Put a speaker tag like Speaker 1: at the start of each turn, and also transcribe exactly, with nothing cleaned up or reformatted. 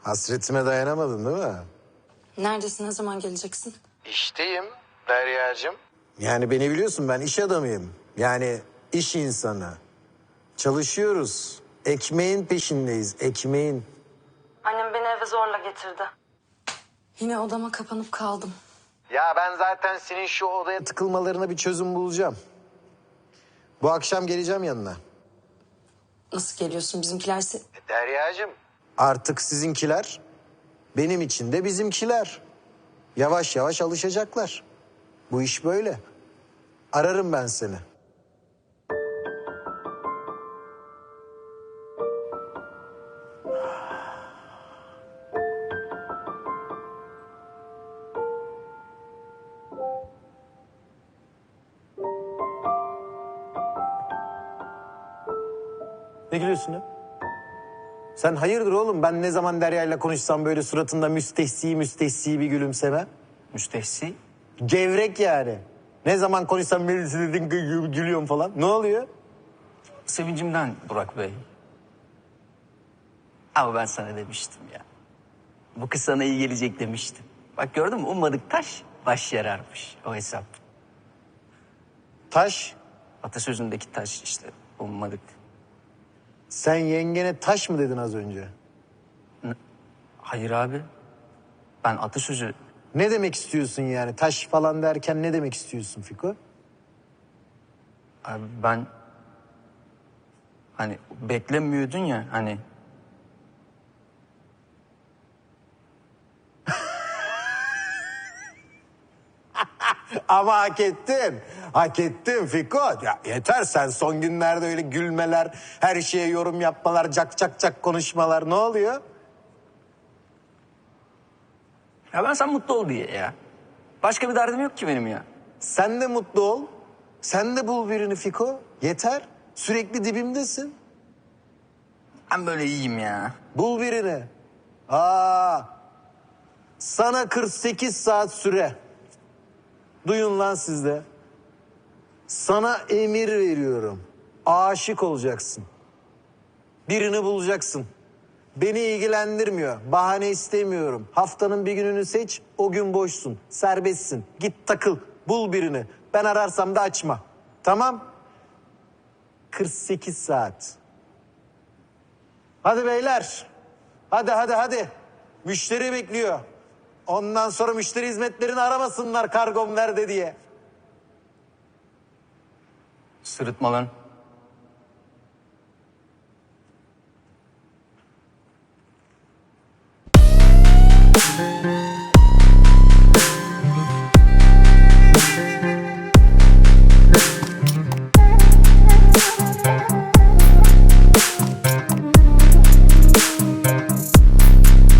Speaker 1: Hasretime dayanamadın değil mi?
Speaker 2: Neredesin? Ne zaman geleceksin?
Speaker 1: İşteyim Derya'cığım. Yani beni biliyorsun, ben iş adamıyım. Yani iş insanı. Çalışıyoruz. Ekmeğin peşindeyiz, ekmeğin.
Speaker 2: Annem beni eve zorla getirdi. Yine odama kapanıp kaldım.
Speaker 1: Ya ben zaten senin şu odaya tıkılmalarına bir çözüm bulacağım. Bu akşam geleceğim yanına.
Speaker 2: Nasıl geliyorsun? Bizimkiler se-
Speaker 1: Derya'cığım. Artık sizinkiler, benim için de bizimkiler. Yavaş yavaş alışacaklar. Bu iş böyle. Ararım ben seni. Ne gülüyorsun ya? Sen hayırdır oğlum? Ben ne zaman Derya'yla konuşsam böyle suratında müstehsi müstehsi bir gülümseme.
Speaker 3: Müstehsi.
Speaker 1: Gevrek yani. Ne zaman konuşsam böyle gülüyorum falan. Ne oluyor?
Speaker 3: Sevincimden Burak Bey. Ama ben sana demiştim ya. Bu kız sana iyi gelecek demiştim. Bak gördün mü, ummadık taş baş yararmış o hesap.
Speaker 1: Taş.
Speaker 3: Atasözündeki taş işte, ummadık.
Speaker 1: Sen yengene taş mı dedin az önce?
Speaker 3: Hayır abi. Ben atasözü...
Speaker 1: Ne demek istiyorsun yani? Taş falan derken ne demek istiyorsun Fiko?
Speaker 3: Abi ben... Hani beklemiyordun ya hani...
Speaker 1: Ama hak ettin. Hak ettin Fiko. Ya yeter, sen son günlerde öyle gülmeler, her şeye yorum yapmalar, cak cak cak konuşmalar, ne oluyor?
Speaker 3: Ya ben sen mutlu ol diye ya. Başka bir derdim yok ki benim ya.
Speaker 1: Sen de mutlu ol. Sen de bul birini Fiko. Yeter. Sürekli dibimdesin.
Speaker 3: Ben böyle iyiyim ya.
Speaker 1: Bul birini. Aa, sana kırk sekiz saat süre. Duyun lan siz de. Sana emir veriyorum. Aşık olacaksın. Birini bulacaksın. Beni ilgilendirmiyor. Bahane istemiyorum. Haftanın bir gününü seç. O gün boşsun. Serbestsin. Git takıl. Bul birini. Ben ararsam da açma. Tamam? kırk sekiz saat. Hadi beyler. Hadi hadi hadi. Müşteri bekliyor. Ondan sonra müşteri hizmetlerini aramasınlar kargom nerede diye.
Speaker 3: Sırıtma lan.
Speaker 4: Thank you.